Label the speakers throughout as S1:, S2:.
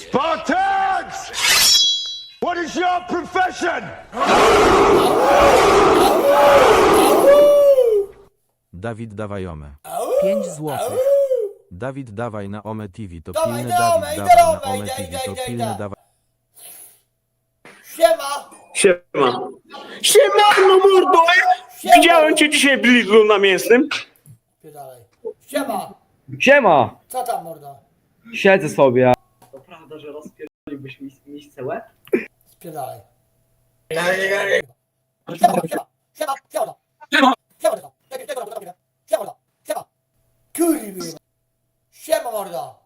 S1: Spartans! What is your profession?
S2: Dawid dawaj omę.
S3: 5 złotych.
S2: Dawid dawaj na omę TV, to
S4: Dawaj,
S2: pilne
S4: dawaj,
S2: Dawid
S4: idę
S2: dawaj
S4: na
S2: na
S4: omę,
S2: omę TV, to
S4: idę.
S2: pilne dawaj.
S4: Siema!
S5: Siema. Siemano mordo!
S4: Siema.
S5: Widziałem cię dzisiaj w Lidlu na mięsnym.
S4: Dalej. Siema!
S6: Siema!
S4: Co tam mordo?
S6: Siedzę sobie.
S5: To prawda, że rozpierdoliłbyś misce łeb?
S4: Spierdalaj. Siema, siema, siema, siema, siema, siema, siema, siema, mordo, siema, kurwa, siema, mordo,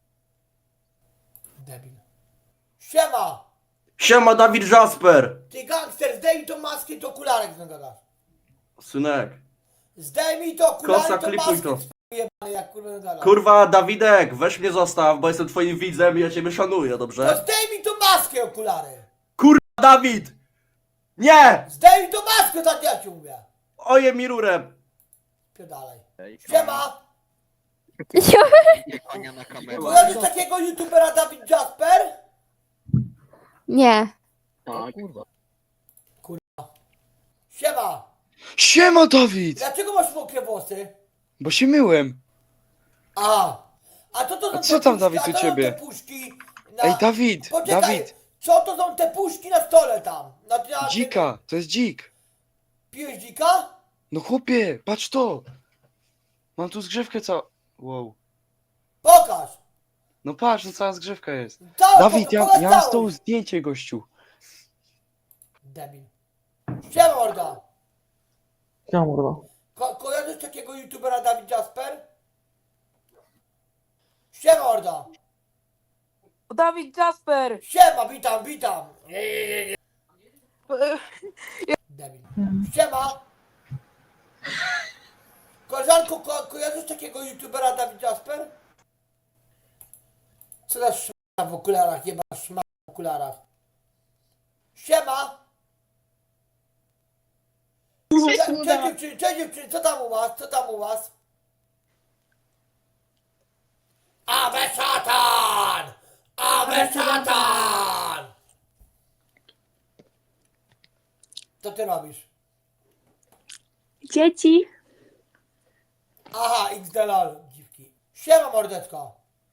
S4: debil, siema,
S7: Siema, Dawid Jasper!
S4: ty gangster, zdejmij tą maskę i to okularek z nogach,
S7: Synek.
S4: zdejmij to
S7: Kosa,
S4: okularek, to
S7: klipuj
S4: maskę
S7: to.
S4: jebany, jak kurwa nogach.
S7: Kurwa, Dawidek, weź mnie zostaw, bo jestem twoim widzem i ja ciebie szanuję,
S4: No
S7: dobrze?
S4: zdejmij tą maskę, okulary,
S7: Kurwa, Dawid! Nie!
S4: zdejmij tą maskę, tak ja ci mówię,
S7: Oje mi rurę!
S4: pierdalaj, siema,
S8: Ania na kamerę.
S4: kojarzysz takiego youtubera Dawid Jasper?
S9: Nie.
S8: Tak.
S4: Siema,
S6: Siema Dawid!
S4: dlaczego masz mokre włosy?
S6: Bo się myłem.
S4: A to są
S6: A
S4: te
S6: co tam,
S4: puszki,
S6: Dawid,
S4: a
S6: u
S4: to są
S6: ciebie?
S4: te puszki na...
S6: Ej Dawid!
S4: Poczekaj,
S6: Dawid!
S4: co to są te puszki na stole tam? Na
S6: Dzika! To jest dzik!
S4: Pijesz dzika?
S6: No chłopie, patrz to! Mam tu zgrzewkę wow.
S4: Pokaż!
S6: No patrz, no cała zgrzewka jest.
S4: Całą,
S6: Dawid, ja
S4: pokaż
S6: mam z
S4: całą.
S6: tą zdjęcie gościu.
S4: Debil. Siema morda.
S6: Ja mordo.
S4: Kojarzysz takiego youtubera Dawid Jasper? Siema morda.
S3: Dawid Jasper!
S4: Siema, witam. Debil. Siema. Koleżanko, kojarzysz takiego youtubera Dawid Jasper? Co za szmata w okularach, jeba szmata w okularach. Siema. Cześć dziewczyny, co tam u was? Awe szatan! Awe szatan! Co ty robisz?
S9: Dzieci.
S4: Aha, XDLL, dziwki. Siema mordeczko.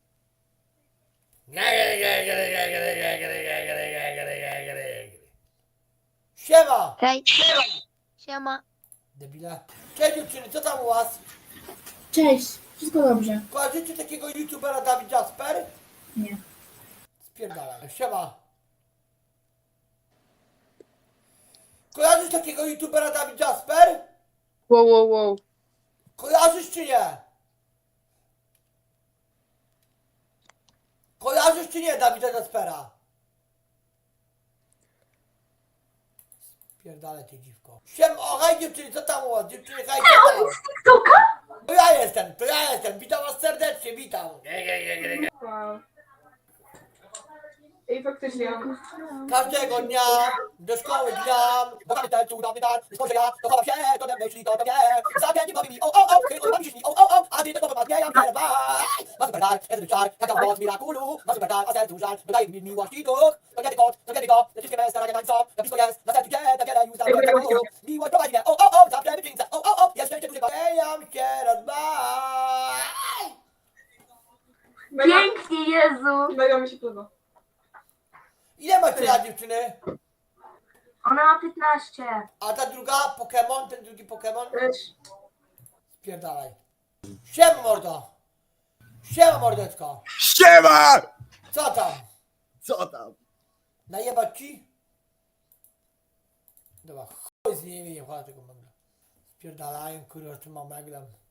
S4: Siema!
S9: Hej. Siema.
S4: Debile. Cześć dziewczyny, co tam u was?
S10: Cześć, wszystko dobrze.
S4: Kojarzycie takiego youtubera Dawid Jasper?
S10: Nie.
S4: Spierdalaj. Siema. Kojarzysz takiego youtubera Dawid Jasper?
S9: Wow.
S4: Kojarzysz czy nie? Kojarzysz czy nie Dawida Jaspera? Spierdalaj ty dziwko. O, hej dziewczyny, co tam u was? Dziewczyny, hej, co tam? To ja jestem. Witam was serdecznie, witam.
S10: Ej, faktycznie.
S4: Każdego dnia do szkoły gram, bo pamiętaj, cudowny dar, spojrzę ja, to chowam się, to we myśli, to we mnie. Zapięci powie mi, chyba mi się śni, a ty tego popadnie, ja mnie ma super dar, jest czar, jaka moc mirakulu, ma super dar, a sercu żal, dodaje mi miłości duch. To nie tylko, te wszystkie me starania nań są, na blisko jest, na sercu cię, tak wiele już zabrałem. Miłość prowadzi mnie, zawsze wyczyńca, jest szczęście duży, bejam się rozmaj.
S9: Pięknie, Jezu.
S10: Mega mi się podoba.
S4: Ile macie lat dziewczyny?
S9: Ona ma 15.
S4: A ta druga Pokémon, ten drugi Pokémon?
S10: Też.
S4: Spierdalaj. Siema mordo! Siema mordeczko!
S1: Siema!
S4: Co tam?
S1: Co tam?
S4: Najebać ci? Dobra, chuj z nimi, nie chodź tego magla. Spierdalają, kurwa, z tym meglem.